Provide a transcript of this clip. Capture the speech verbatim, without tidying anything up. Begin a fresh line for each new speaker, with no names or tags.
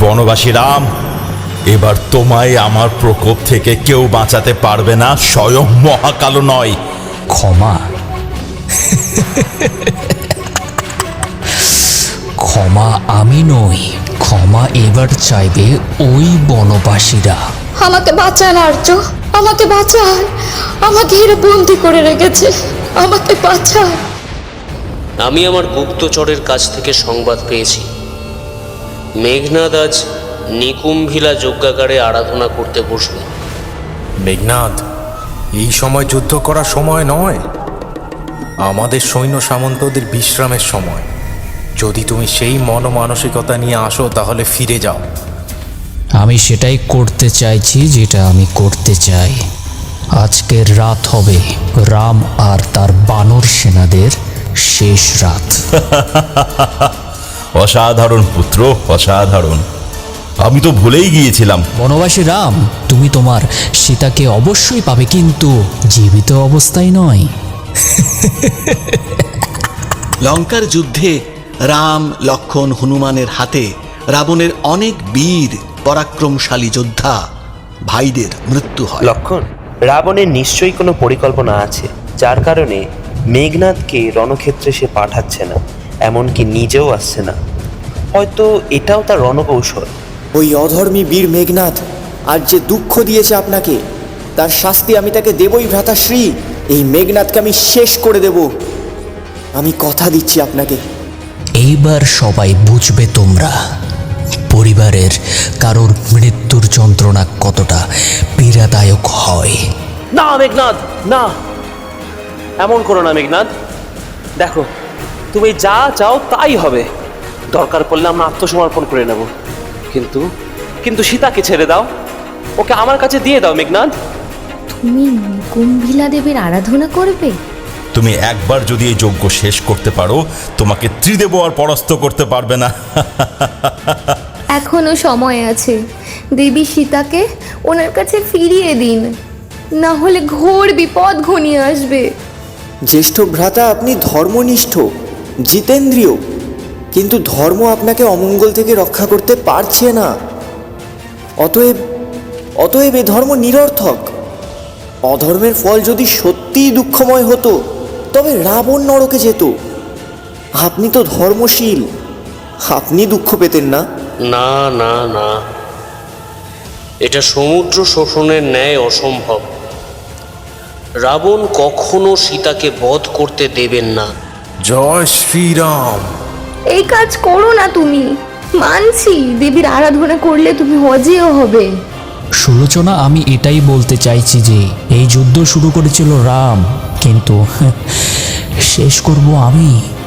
বনবাসী রাম, এবার তোমায় আমার প্রকোপ থেকে কেউ বাঁচাতে পারবে না, স্বয়ং মহাকাল নয়।
ক্ষমা? ক্ষমা আমি নই, ক্ষমা এবার চাইবে ওই বনবাসীরা।
আমাকে বাঁচান আর্য, আমাকে বাঁচান, আমাকে এরা বন্দি করে রেখেছে, আমাকে বাঁচান।
আমি আমার গুপ্তচরের কাছ থেকে সংবাদ পেয়েছি, মেঘনাদ আজ নিকুম্ভিলা যজ্ঞাগারে আরাধনা করতে বসবে।
মেঘনাদ, এই সময় যুদ্ধ করার সময় নয়, আমাদের সৈন্য সামন্তদের বিশ্রামের সময়। যদি তুমি সেই মনমানসিকতা নিয়ে আসো তাহলে ফিরে যাও।
আমি সেটাই করতে চাইছি যেটা আমি করতে চাই। আজকের রাত হবে রাম আর তার বানর সেনাদের শেষ রাত।
অসাধারণ পুত্র, অসাধারণ। আমি তো ভুলেই গিয়েছিলাম।
বনবাসী রাম, তুমি তোমার সীতাকে অবশ্যই পাবে, কিন্তু জীবিত অবস্থায় নয়।
লঙ্কার যুদ্ধে রাম, লক্ষ্মণ, হনুমানের হাতে রাবণের অনেক বীর পরাক্রমশালী যোদ্ধা ভাইদের মৃত্যু হয়।
লক্ষণ, রাবণের নিশ্চয়ই কোনো পরিকল্পনা আছে, যার কারণে মেঘনাদকে রণক্ষেত্রে সে পাঠাচ্ছে না, এমনকি নিজেও আসছে না। হয়তো এটাও তার রণকৌশল।
ওই অধর্মী বীর মেঘনাদ আর যে দুঃখ দিয়েছে আপনাকে, তার শাস্তি আমি তাকে দেবই ভ্রাতাশ্রী। এই মেঘনাদকে আমি শেষ করে দেব, আমি কথা দিচ্ছি আপনাকে।
এইবার সবাই বুঝবে তোমরা পরিবারের কারোর মৃত্যুর যন্ত্রণা কতটা পীড়াদায়ক হয়।
না মেঘনাদ, না, এমন করো না মেঘনাদ। দেখো, তুমি যা চাও তাই হবে। দরকার পড়লে আমরা আত্মসমর্পণ করে নেব, কিন্তু কিন্তু সীতাকে ছেড়ে দাও, ওকে আমার কাছে দিয়ে দাও মেঘনাদ।
তুমি নিকুম্ভিলা দেবীর আরাধনা করবে?
তুমি একবার যদি এই যজ্ঞ শেষ করতে পারো, তোমাকে ত্রিদেব আর পরাস্ত করতে পারবে না।
এখনো সময় আছে, দেবী সীতাকে ওনার কাছে ফিরিয়ে দিন, না হলে ঘোর বিপদ ঘনিয়ে আসবে।
জ্যেষ্ঠ ভ্রাতা, আপনি ধর্মনিষ্ঠ, জিতেন্দ্রীয়, কিন্তু ধর্ম আপনাকে অমঙ্গল থেকে রক্ষা করতে পারছে না। অতএব অতএব এ ধর্ম নিরর্থক। অধর্মের ফল যদি সত্যিই দুঃখময় হতো, তবে রাবণ নরকে যেত। আপনি তো ধর্মশীল, আপনি দুঃখ পেতেন না।
না না না, এটা সমুদ্র শোষণের ন্যায় অসম্ভব। রাবণ কখনো সীতাকে বধ করতে দেবেন না।
জয় শ্রীরাম।
এই কাজ করো না তুমি। মানছি দেবীর আরাধনা করলে তুমি অজেয় হবে।
সুলোচনা, আমি এটাই বলতে চাইছি যে এই যুদ্ধ শুরু করেছিল রাম, কিন্তু শেষ করব আমি।